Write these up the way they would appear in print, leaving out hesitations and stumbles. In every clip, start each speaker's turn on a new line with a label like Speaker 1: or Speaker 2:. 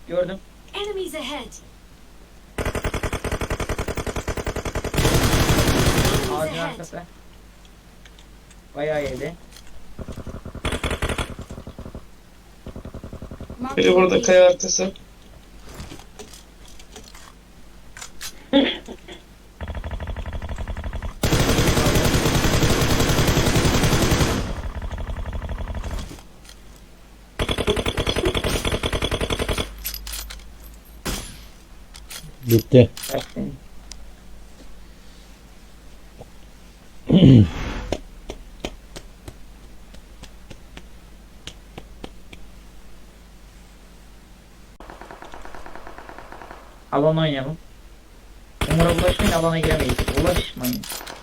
Speaker 1: Gördüm.
Speaker 2: Enemies ahead.
Speaker 1: Ağacın
Speaker 2: Enemies ahead.
Speaker 1: arkası. Bayağı yedi.
Speaker 2: Marked
Speaker 3: Biri
Speaker 2: a
Speaker 3: burada
Speaker 2: location.
Speaker 3: kaya arkası.
Speaker 4: Bitti.
Speaker 1: Kaçtın. Alan oynayalım. Umura bulaşmayın, alana giremeyiz. Bulaşmayın.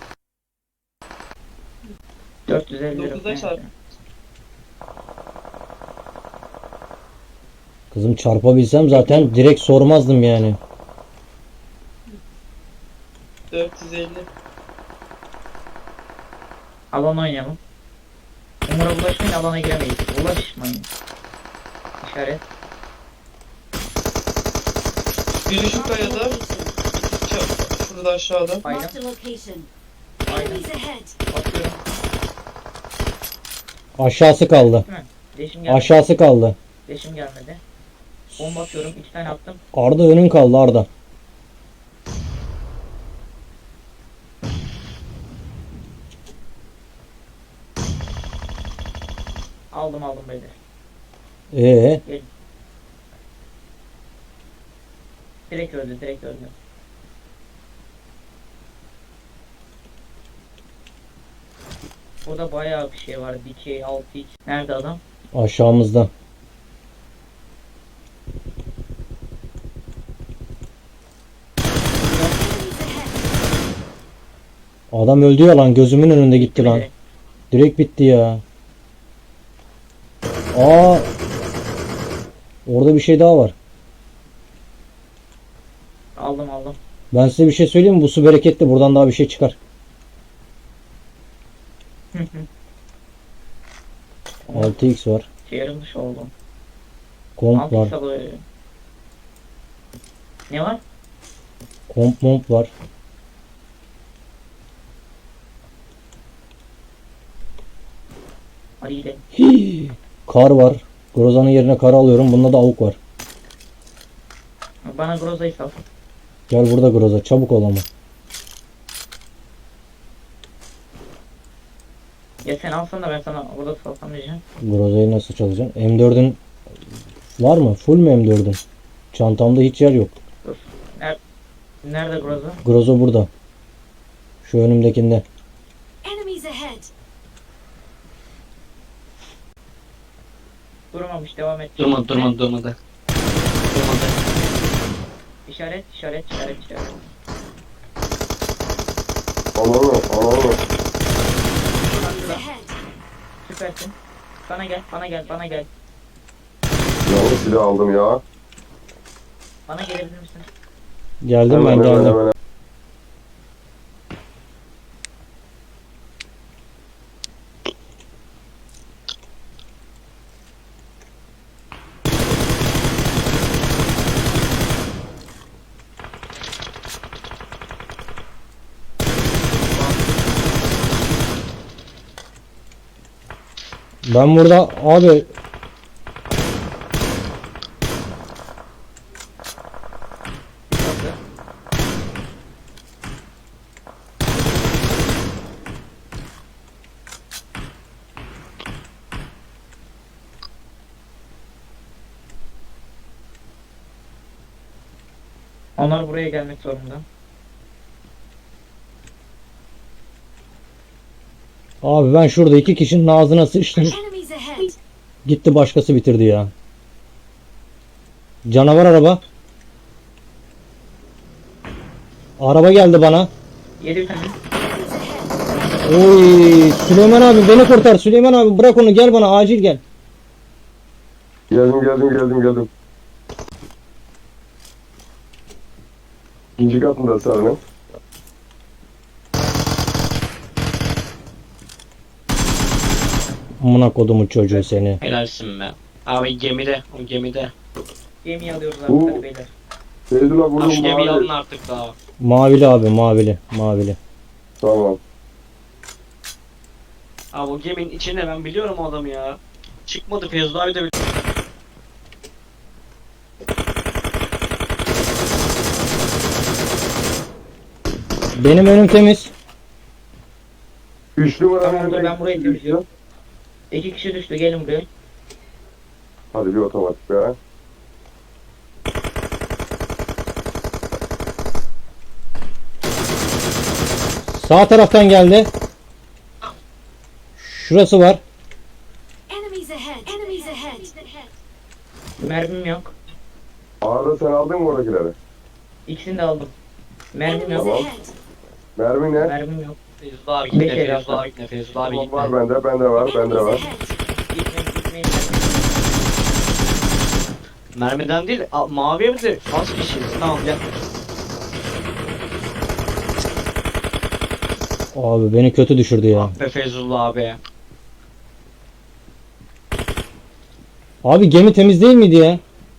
Speaker 1: 450 lira.
Speaker 3: 9'da çarp.
Speaker 4: Kızım çarpabilsem zaten direkt sormazdım yani.
Speaker 3: 450.
Speaker 1: Alan oynayalım. Umura bulaşmayın, alana giremeyiz. Bulaşmayın. İşaret.
Speaker 3: Biri şu
Speaker 2: Marked a
Speaker 3: kayada.
Speaker 2: location.
Speaker 3: Şurada aşağıda.
Speaker 1: Baydım.
Speaker 2: Marked a location.
Speaker 1: Baydım.
Speaker 2: Enemies ahead.
Speaker 1: Bakıyorum.
Speaker 4: Aşağısı kaldı.
Speaker 1: Değil mi? Leşim gelmedi.
Speaker 4: Aşağısı kaldı.
Speaker 1: Leşim gelmedi. Bomba atıyorum. 2 tane attım.
Speaker 4: Arda önün kaldı Arda.
Speaker 1: Aldım beyler.
Speaker 4: Ee,
Speaker 1: Direkt öldü. Burada bayağı bir şey var. Dikey, 6x. Nerede adam?
Speaker 4: aşağımızda.
Speaker 2: Enemies ahead.
Speaker 4: Adam öldü ya lan, gözümün önünde gitti lan. Direkt bitti ya. Aa. Orada bir şey daha var.
Speaker 1: Aldım.
Speaker 4: Ben size bir şey söyleyeyim mi? Bu su bereketli. Buradan daha bir şey çıkar. 6x var.
Speaker 1: Çevrim dışı oldum.
Speaker 4: Komp var.
Speaker 1: 6x alıyor. Ne var?
Speaker 4: Komp var.
Speaker 1: Hadi gidelim.
Speaker 4: Hii. Kar var. Groza'nın yerine kar alıyorum. Bunda da avuk var.
Speaker 1: Bana Groza'yı sal.
Speaker 4: Gel burada Groza. Çabuk ol ama.
Speaker 1: Ya sen alsan da ben sana orada salsam diyeceğim.
Speaker 4: Groza'yı nasıl çalacaksın? M4'ün var mı? Full mü M4'ün? Çantamda hiç yer yok.
Speaker 1: Dur. Nerede Groza?
Speaker 4: Groza burada. Şu önümdekinde.
Speaker 2: Enemies ahead.
Speaker 1: Durmamış, devam et.
Speaker 3: Durmadı.
Speaker 1: İşaret.
Speaker 5: Ananı.
Speaker 2: Enemies ahead.
Speaker 1: Süpersin. Bana gel.
Speaker 5: Yanlış silah aldım ya.
Speaker 1: Bana gelebilir misin?
Speaker 4: Geldim ben geldim.
Speaker 5: Hemen.
Speaker 4: Ben burada abi
Speaker 1: Onlar buraya gelmek zorunda.
Speaker 4: abi ben şurada iki kişinin ağzına sıçtım.
Speaker 2: Enemies ahead.
Speaker 4: Gitti başkası bitirdi ya. Canavar araba. Araba geldi bana.
Speaker 1: 7 tane.
Speaker 2: Enemies ahead.
Speaker 4: Oy Süleyman abi beni kurtar. Süleyman abi bırak onu, gel bana acil gel.
Speaker 5: Geldim. İkinci katında sarının.
Speaker 4: Amına kodumun çocuğu seni.
Speaker 6: Helalsin be. Abi gemide. O gemide.
Speaker 1: Gemiyi alıyoruz artık
Speaker 5: Bu-
Speaker 1: hadi beyler.
Speaker 5: Feyzullah
Speaker 3: Abi
Speaker 5: vurdum
Speaker 3: şu gemiyi alın
Speaker 5: mavi.
Speaker 3: artık daha.
Speaker 4: Mavili abi, mavili. Mavili.
Speaker 5: Tamam.
Speaker 3: Abi o geminin içinde ben biliyorum o adamı ya. Çıkmadı Feyzullah abi de
Speaker 4: Benim önüm temiz.
Speaker 5: 3 numara
Speaker 1: Tamam, dur,
Speaker 5: nereden
Speaker 1: ben burayı
Speaker 5: gitti?
Speaker 1: temizliyorum. 2 kişi düştü, gelin buraya.
Speaker 5: Hadi bir otomatik be.
Speaker 4: Sağ taraftan geldi. Şurası var.
Speaker 2: Enemies ahead. Enemies ahead.
Speaker 1: Mermim yok.
Speaker 5: Arda sen aldın mı oradakileri?
Speaker 1: İkisini de aldım. Mermim
Speaker 2: Enemies
Speaker 1: yok.
Speaker 5: Tamam.
Speaker 2: ahead.
Speaker 5: Mermi ne?
Speaker 1: Mermim yok.
Speaker 3: Feyzullah abi gitme,
Speaker 1: Beş el
Speaker 3: Feyzullah
Speaker 1: yaptı.
Speaker 3: abi gitme, Feyzullah abi
Speaker 5: Tamam,
Speaker 3: gitme.
Speaker 5: var bende var, bende
Speaker 2: Enemies
Speaker 5: var.
Speaker 2: ahead.
Speaker 1: Gitmeyin gitmeyin.
Speaker 3: Mermiden değil, mavi evde az kişiyiz. Tamam gel.
Speaker 4: Abi beni kötü düşürdü ya.
Speaker 3: Ah be Feyzullah abi.
Speaker 4: Abi gemi temiz değil miydi ya?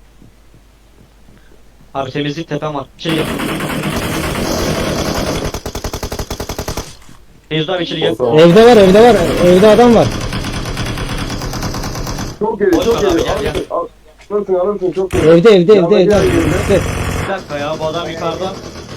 Speaker 3: Abi temizlik tepem var. Şey yap. Feyzullah abi içeri gel.
Speaker 5: Tamam.
Speaker 4: Evde var, evde var. Evde adam var.
Speaker 5: Çok geliyor,
Speaker 3: Boş
Speaker 5: çok
Speaker 3: ver abi,
Speaker 5: geliyor.
Speaker 3: gel,
Speaker 5: Alırsın, çok geliyor.
Speaker 4: Evde.
Speaker 5: Yanına gel, gel.
Speaker 4: İşte.
Speaker 3: Bir dakika ya bu adam yukarıda.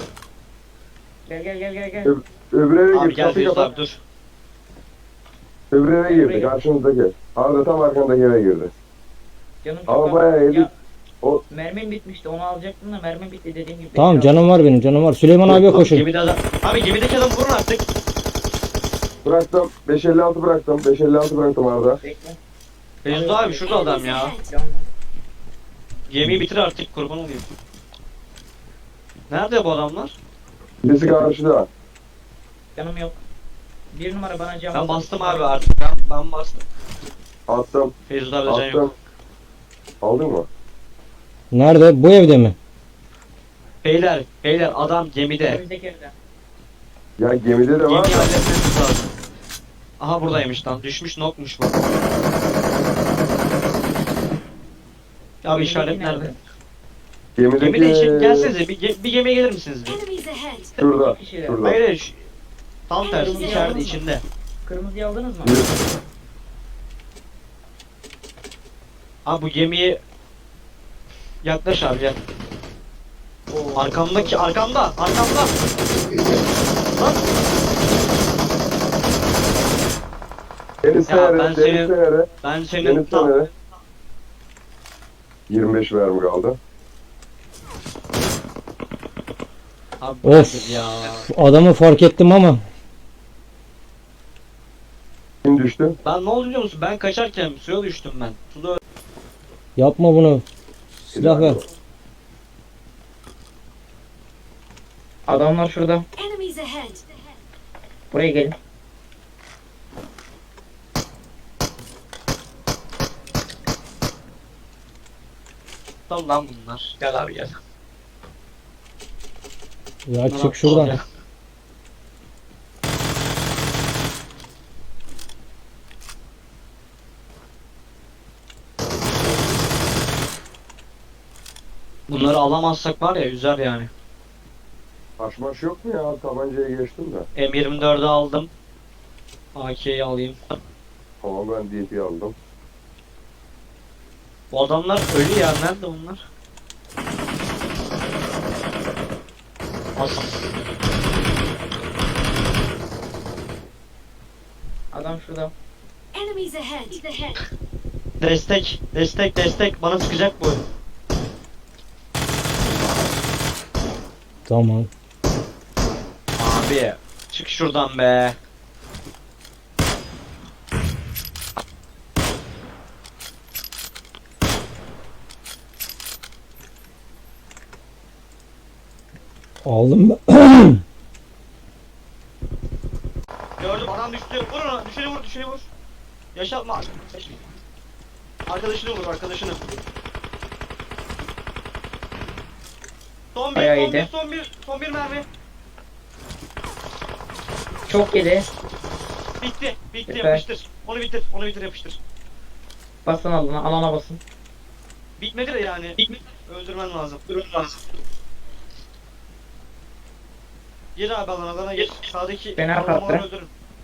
Speaker 1: Gel.
Speaker 5: Öbür eve
Speaker 3: Abi
Speaker 5: gir,
Speaker 3: gel
Speaker 5: kapıyı
Speaker 3: Feyzullah
Speaker 5: kapat.
Speaker 3: abi dur.
Speaker 5: Öbür eve
Speaker 1: Öbür
Speaker 5: girdi,
Speaker 1: eve.
Speaker 5: karşımızdaki. Arda tam arkandaki eve girdi.
Speaker 1: Canım çok
Speaker 5: Ama
Speaker 1: az.
Speaker 5: bayağı yedi.
Speaker 1: Ya,
Speaker 5: O-
Speaker 1: mermim bitmişti, onu alacaktım da mermim bitti dediğim gibi.
Speaker 4: Tamam
Speaker 1: Bekle
Speaker 4: canım var benim, canım var. Süleyman abiye
Speaker 3: Abi
Speaker 4: koşun.
Speaker 3: gemide adam. Abi gemideki adam vurun artık.
Speaker 5: Bıraktım, 556 bıraktım, 556 bıraktım Arda.
Speaker 1: abi, bekle.
Speaker 3: Feyzullah abi şurada adam
Speaker 2: Enemies
Speaker 3: ya.
Speaker 2: ahead.
Speaker 1: Canım.
Speaker 3: Gemiyi bitir artık kurban olayım. Nerede bu adamlar?
Speaker 5: Birisi karşıda.
Speaker 1: Canım yok. Bir numara bana cam.
Speaker 3: Ben
Speaker 1: alsın.
Speaker 3: bastım abi artık. Ben bastım.
Speaker 5: Attım,
Speaker 3: Feyzullah abi can yok.
Speaker 5: attım. Aldın mı?
Speaker 4: Nerede? Bu evde mi?
Speaker 3: Beyler adam gemide.
Speaker 1: Önümüzdeki evde.
Speaker 5: Ya gemide de var
Speaker 3: Gemiyi
Speaker 5: da.
Speaker 3: halletmemiz lazım. Aha buradaymış lan. Düşmüş nokmuş bu. Abi işaret nerede?
Speaker 5: Gemideki...
Speaker 3: Gemide için gelsenize bir gemiye gelir misiniz bir?
Speaker 2: Enemies ahead.
Speaker 5: Şurada,
Speaker 1: İki kişiler.
Speaker 5: şurada.
Speaker 3: Hayır tam tersi içeride içinde.
Speaker 1: Kırmızıyı aldınız mı?
Speaker 3: Abi bu gemiyi yaklaş abi gel.
Speaker 1: Oo.
Speaker 3: Arkamda. Lan
Speaker 5: Deniz
Speaker 3: Ya
Speaker 5: Fener'e,
Speaker 3: ben
Speaker 5: Deniz
Speaker 3: senin-
Speaker 5: Fener'e,
Speaker 3: ben senin
Speaker 5: Deniz
Speaker 3: tam
Speaker 5: Fener'e. 25 mermi kaldı.
Speaker 3: abi bu
Speaker 4: Of.
Speaker 3: nedir ya.
Speaker 4: Adamı fark ettim ama.
Speaker 5: Kim düştü?
Speaker 3: Ben ne oldu biliyor musun? Ben kaçarken suya düştüm ben. Suda
Speaker 4: Yapma bunu. Silah ver.
Speaker 1: Adamlar şurada.
Speaker 2: Enemies ahead.
Speaker 1: Buraya gelin.
Speaker 3: öldüm lan bunlar. Gel abi gel.
Speaker 4: Ya
Speaker 3: Bunlar
Speaker 4: çık şuradan.
Speaker 3: aptal ya. Bunları alamazsak var ya üzer yani.
Speaker 5: Haşmaş yok mu ya? Tabancaya geçtim de.
Speaker 3: M24'ü aldım. AK'yi alayım.
Speaker 5: Tamam ben DP aldım.
Speaker 3: Bu adamlar ölü ya. Nerede bunlar? As.
Speaker 1: Adam şurada.
Speaker 2: Enemies ahead.
Speaker 3: Destek. Bana sıkacak bu.
Speaker 4: Tamam.
Speaker 3: Abi. Çık şuradan be.
Speaker 4: Aldım ben.
Speaker 3: Gördüm adam düştü. Vur onu. Düşeni vur. Yaşatma. Arkadaşını vur arkadaşını.
Speaker 1: Bayağı iyiydi.
Speaker 3: Son bir mermi.
Speaker 1: Çok yedi.
Speaker 3: Bitti
Speaker 1: Süper.
Speaker 3: yapıştır. Onu bitir yapıştır.
Speaker 1: Basın alana basın.
Speaker 3: Bitmedi de yani. Öldürmen lazım. Gir abi alana gir. Sağdaki
Speaker 1: Fena
Speaker 3: adamları
Speaker 1: kalktı.
Speaker 3: öldürün.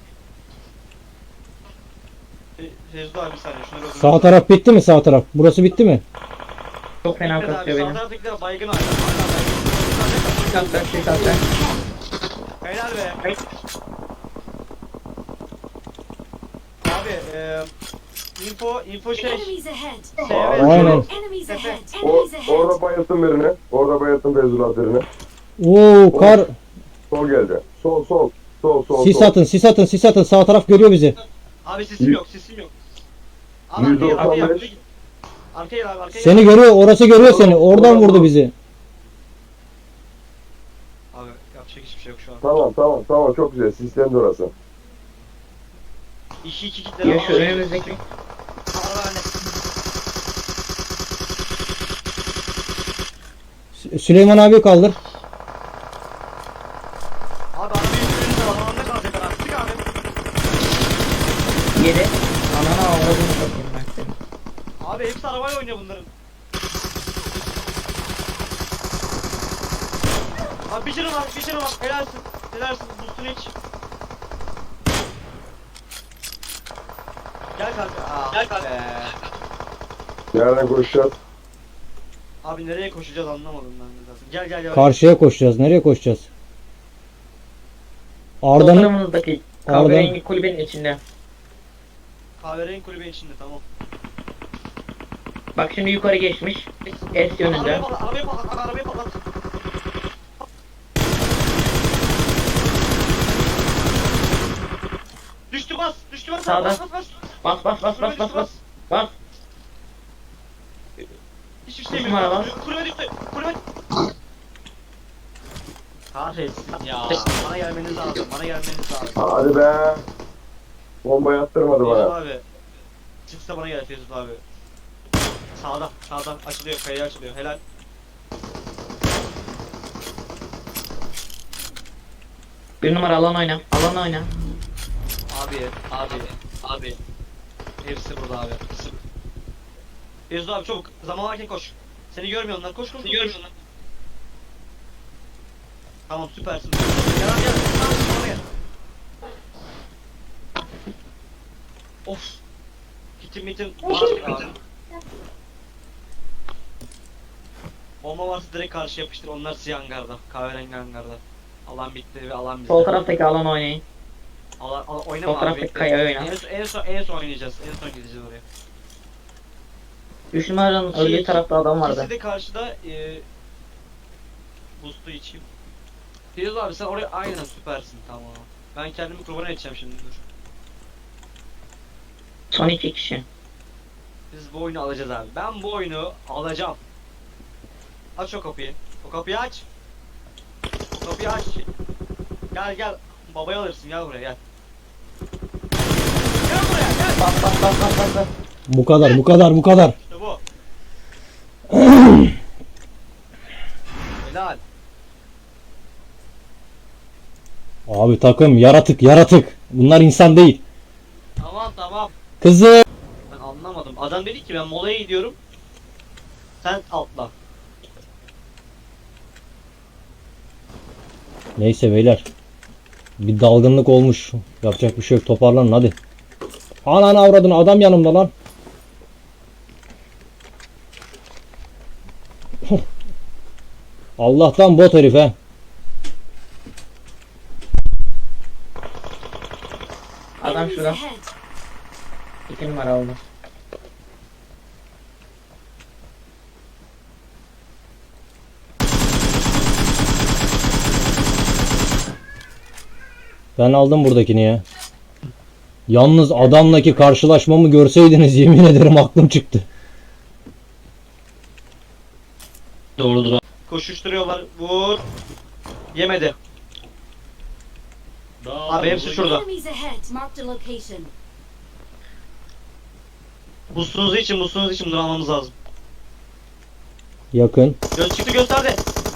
Speaker 3: Fezli abi bir saniye şunları öldürün.
Speaker 4: Sağ taraf bitti mi sağ taraf? Burası bitti mi?
Speaker 1: Çok fena
Speaker 3: Bitmedi abi.
Speaker 1: kasıyor
Speaker 3: Sağ
Speaker 1: benim.
Speaker 3: taraftakiler baygın abi.
Speaker 1: Şey kalktı.
Speaker 3: Helal be. Abi info şey.
Speaker 2: Enemies ahead.
Speaker 4: Aynen.
Speaker 2: Enemies ahead.
Speaker 5: O,
Speaker 2: Enemies
Speaker 5: orada
Speaker 2: ahead.
Speaker 5: bayılttım birini. Orada bayılttım Feyzullah birini.
Speaker 4: Oo kar.
Speaker 5: Sol geldi. Sol.
Speaker 4: Sis atın sis atın sis atın. Sağ taraf görüyor bizi.
Speaker 3: Abi sesim yok. Abi
Speaker 5: %95.
Speaker 3: arkaya gel. Arkaya gel abi arkaya gel.
Speaker 4: Seni görüyor. Orası görüyor seni. Oradan vurdu bizi.
Speaker 3: Abi yapacak hiçbir şey yok şu an.
Speaker 5: Tamam çok güzel. Sistemde orası.
Speaker 3: 2-2 kitlere
Speaker 1: Ya şu önümüzdeki.
Speaker 4: Süleyman abi kaldır.
Speaker 3: Abi yüzünüzde alanda kalacaklar abi. Sık abi.
Speaker 1: 7. Anana avradını satayım ben seni.
Speaker 3: Abi hepsi arabayla oynuyor bunların. Abi bir canı var. Helalsin. Boostunu iç. Gel kanka. Gel kanka.
Speaker 5: Nereden koşacağız?
Speaker 3: Abi nereye koşacağız anlamadım ben de zaten. Gel.
Speaker 4: Karşıya koşacağız. Nereye koşacağız? Arda'nın
Speaker 1: Sollarımızdaki kahverengi kulübenin içinde.
Speaker 3: Kahverengi kulübenin içinde tamam.
Speaker 1: Bak şimdi yukarı geçmiş. S yönünde.
Speaker 3: Arabayı patlat. Düştü bas.
Speaker 1: Sağda.
Speaker 3: Bas.
Speaker 1: Bas. Bas.
Speaker 3: Hiçbir şey
Speaker 1: Düşman
Speaker 3: yok.
Speaker 1: var.
Speaker 3: Kulübe düştü. Kahretsin ya. Bana gelmeniz lazım.
Speaker 5: Hadi be. Bombayı attırmadı
Speaker 3: Feyzul
Speaker 5: bana.
Speaker 3: abi. Çıksa bana gel Feyzul abi. Sağda açılıyor, kayaya açılıyor. Helal.
Speaker 1: Bir numara alan oyna.
Speaker 3: Abi. Hepsi burada abi. Feyzul abi çabuk. Zaman varken koş. Seni görmüyorlar. Koş. Tamam süpersin. Gel. Tamam bana gel. Of. Kitim var abi. Bomba varsa direkt karşı yapıştır. Onlar siyah hangarda. Kahverengi hangarda. Alan bitti ve alan bizde.
Speaker 1: Sol taraftaki alan oynayın.
Speaker 3: Oynama
Speaker 1: sol
Speaker 3: abi.
Speaker 1: taraftaki
Speaker 3: bekle.
Speaker 1: kayaya oyna.
Speaker 3: En son oynayacağız. En son gideceğiz oraya.
Speaker 1: 3 numaranın öldüğü tarafta adam vardı.
Speaker 3: İkisi de karşıda boost'u içeyim. Fiyaz abi sen oraya aynen süpersin tamam. Ben kendimi kurban edeceğim şimdi dur.
Speaker 1: Son 2 kişi.
Speaker 3: Biz bu oyunu alacağız abi. Ben bu oyunu alacağım. Aç o kapıyı. O kapıyı aç. O kapıyı aç. Gel. Babayı alırsın gel buraya gel. Gel buraya gel.
Speaker 1: Bas.
Speaker 4: bu kadar.
Speaker 3: İşte bu. Helal.
Speaker 4: Abi takım yaratık. Bunlar insan değil.
Speaker 3: Tamam.
Speaker 4: Kızı.
Speaker 3: Ben anlamadım. Adam dedi ki ben molaya gidiyorum. Sen atla.
Speaker 4: Neyse beyler. Bir dalgınlık olmuş. Yapacak bir şey yok. Toparlanın hadi. Ananı avradın adam yanımda lan. Allah'tan bot herif he.
Speaker 1: Adam
Speaker 2: Enemies
Speaker 1: şurada.
Speaker 2: ahead.
Speaker 1: 2 numara oldu.
Speaker 4: Ben aldım buradakini ya. Yalnız adamdaki karşılaşmamı görseydiniz yemin ederim aklım çıktı.
Speaker 3: Doğrudur. Koşuşturuyorlar. Vur. Yemedi. Abi hepsi şurada.
Speaker 2: Enemies ahead. Marked a location.
Speaker 3: Buzsunuzu için bunu almamız lazım.
Speaker 4: Yakın.
Speaker 3: Çıktı gösterdi.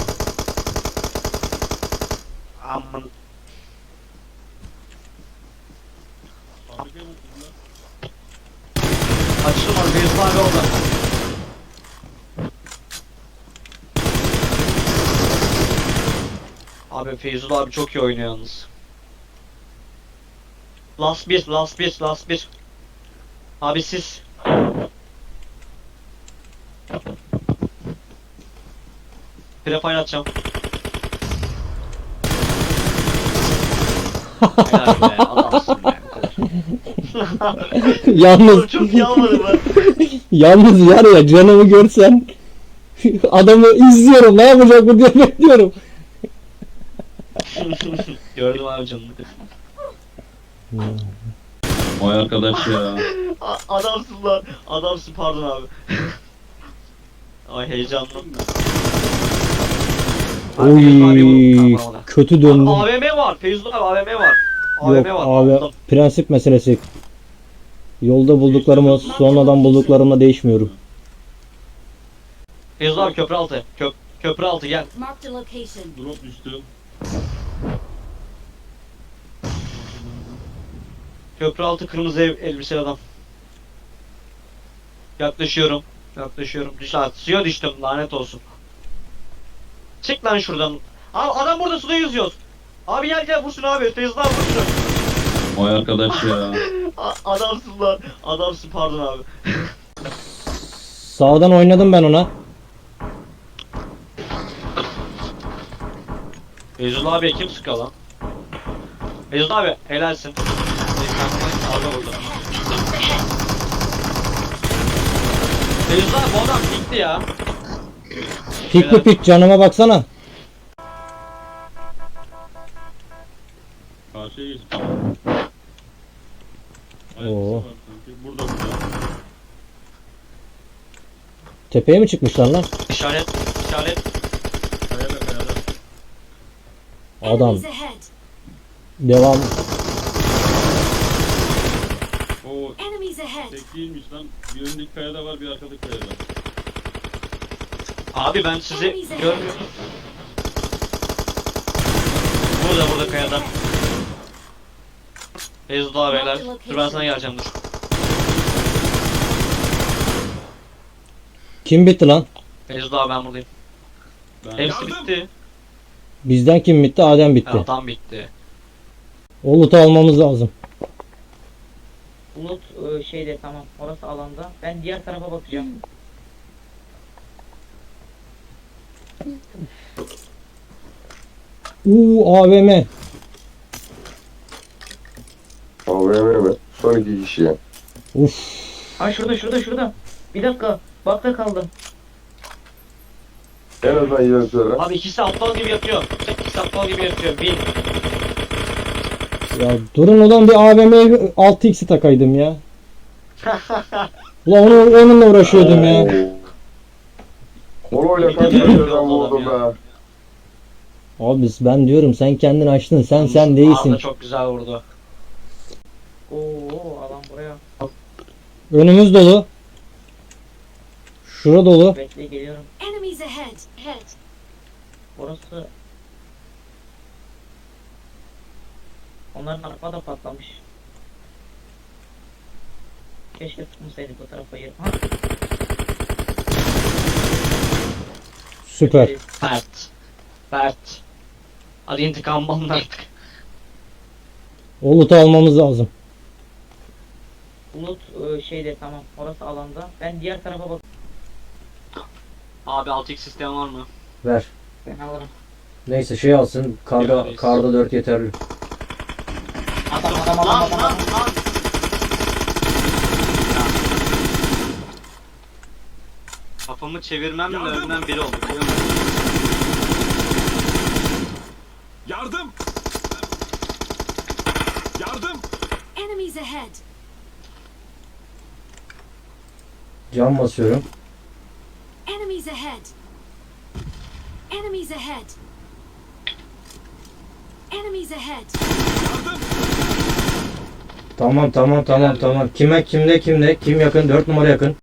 Speaker 3: Aman. Açılmadı. Feyzullah abi orada. Abi Feyzullah abi çok iyi oynuyor yalnız. Last 1. Abi siz. Prefire atacağım. Helal be, adamsın be.
Speaker 4: Yalnız
Speaker 3: Çok iyi almadım ben.
Speaker 4: yalnız var ya, canımı görsen adamı izliyorum, ne yapacak bu diye bekliyorum.
Speaker 3: Gördüm abi canını.
Speaker 6: Vay arkadaş ya.
Speaker 3: Adamsın lan. Adamsın, pardon abi. Ay heyecanlı.
Speaker 4: Oy, kötü döndüm.
Speaker 3: AVM var. Feyzullah abi AVM var. AVM
Speaker 4: Yok
Speaker 3: var.
Speaker 4: abi,
Speaker 3: Aldım.
Speaker 4: prensip meselesi. Yolda bulduklarımı sonradan bulduklarımla değişmiyorum.
Speaker 3: Feyzullah abi köprü altı. Köprü altı gel.
Speaker 2: Marked a location.
Speaker 6: Drop düştü.
Speaker 3: Köprü altı kırmızı elbiseli adam. Yaklaşıyorum. Düş lan. Suya düştüm, lanet olsun. Çık lan şuradan. Abi adam burada, suda yüzüyoruz. Abi gel vursun abi. Feyzullah abi vursun.
Speaker 6: Vay arkadaş ya.
Speaker 3: Adamsın lan. Adamsın, pardon abi.
Speaker 4: Sağdan oynadım ben ona.
Speaker 3: Feyzullah abi kim sıkıyor lan? Feyzullah abi helalsin. Abi burada. Feyzullah abi bu adam gitti ya.
Speaker 4: Pik mi pik, canıma baksana.
Speaker 6: Karşıya geç.
Speaker 4: Oo.
Speaker 6: Burada.
Speaker 4: Tepeye mi çıkmışlar lan?
Speaker 3: İşaret.
Speaker 6: Kayada.
Speaker 4: Adam.
Speaker 2: Enemies ahead.
Speaker 4: Devam.
Speaker 6: O
Speaker 2: Enemies ahead.
Speaker 6: tek değilmiş lan. Bir öndeki kayada var, bir arkadaki kayada.
Speaker 3: Abi ben sizi görmüyorum. Burada kayada. Feyzullah abi helal. Dur ben sana geleceğim, dur.
Speaker 4: Kim bitti lan?
Speaker 3: Feyzullah abi ben buradayım.
Speaker 6: Ben
Speaker 3: Hepsi bitti.
Speaker 4: Bizden kim bitti? Adem bitti.
Speaker 3: Evet, tam bitti.
Speaker 4: O loot'u almamız lazım.
Speaker 1: Bulut şeyde, tamam. Orası alanda. Ben diğer tarafa bakacağım.
Speaker 4: AVM.
Speaker 5: AVM mi? Son 2 kişi ya.
Speaker 4: Uf.
Speaker 1: Ha şurada. Bir dakika. Bakta kaldım.
Speaker 5: En azından yarı söyle.
Speaker 3: Abi ikisi aptal gibi yatıyor. Bin.
Speaker 4: Ya durun ulan, bir AVM 6x'i takaydım ya. Ulan onunla uğraşıyordum ya.
Speaker 5: Koloyla kaç yerden vurdum be.
Speaker 4: Abi ben diyorum, sen kendini açtın, sen
Speaker 3: Abi
Speaker 4: değilsin.
Speaker 3: da çok güzel vurdu.
Speaker 1: Oo, alan buraya.
Speaker 4: Önümüz dolu. Şura dolu.
Speaker 1: Bekle, geliyorum.
Speaker 2: Enemies ahead.
Speaker 1: Orası... Onların araba da patlamış. Keşke tutmasaydık o tarafa yer. Ha,
Speaker 4: Süper.
Speaker 3: Bert. Hadi intikam alın artık.
Speaker 4: O loot'u almamız lazım.
Speaker 1: Bulut şeyde, tamam. Orası alanda. Ben diğer tarafa bak.
Speaker 3: Abi 6x sistem var mı?
Speaker 4: Ver.
Speaker 1: Ben alırım.
Speaker 4: Neyse şey alsın.
Speaker 3: Karda-
Speaker 4: Karda 4 yeterli.
Speaker 1: Adam.
Speaker 3: Kafamı çevirmemle önden biri oldu.
Speaker 6: Yardım!
Speaker 2: Enemies ahead.
Speaker 4: Cam basıyorum.
Speaker 2: Enemies ahead. Enemies ahead. Enemies ahead.
Speaker 4: Tamam. Kime, kimde, kim yakın? 4 numara yakın.